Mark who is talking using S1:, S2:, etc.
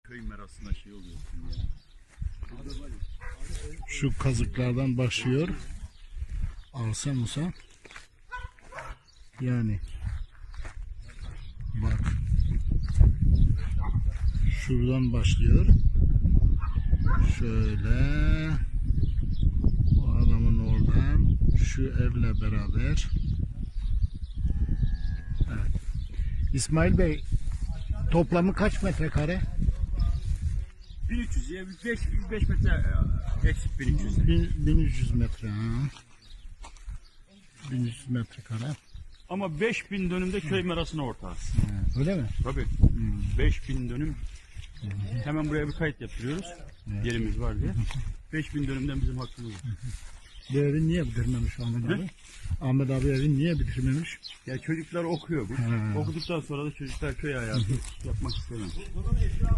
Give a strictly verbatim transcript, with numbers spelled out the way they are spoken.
S1: köy merasına şey oluyorsun ya.
S2: Şu kazıklardan başlıyor. Alsa Musa. Yani bak. Şuradan başlıyor. Şöyle. O adamın oradan. Şu evle beraber. Evet. İsmail Bey, toplamı kaç metrekare?
S1: bin üç yüz ya beş beş metre eksik bin üç yüz.
S2: bin üç yüz metre. Ha. bin üç yüz metrekare.
S1: Ama beş bin dönümde köy merasına ortağız.
S2: Ha, öyle mi?
S1: Tabii. beş bin dönüm. Hemen buraya bir kayıt yaptırıyoruz. Yerimiz var diye. beş bin dönümden bizim hakkımız var.
S2: Bu evi niye bitirmemiş Ahmet abi? Ahmet abi evi niye bitirmemiş?
S1: Ya çocuklar okuyor bu.
S2: Ha.
S1: Okuduktan sonra da çocuklar köy hayatı yapmak istemiyor.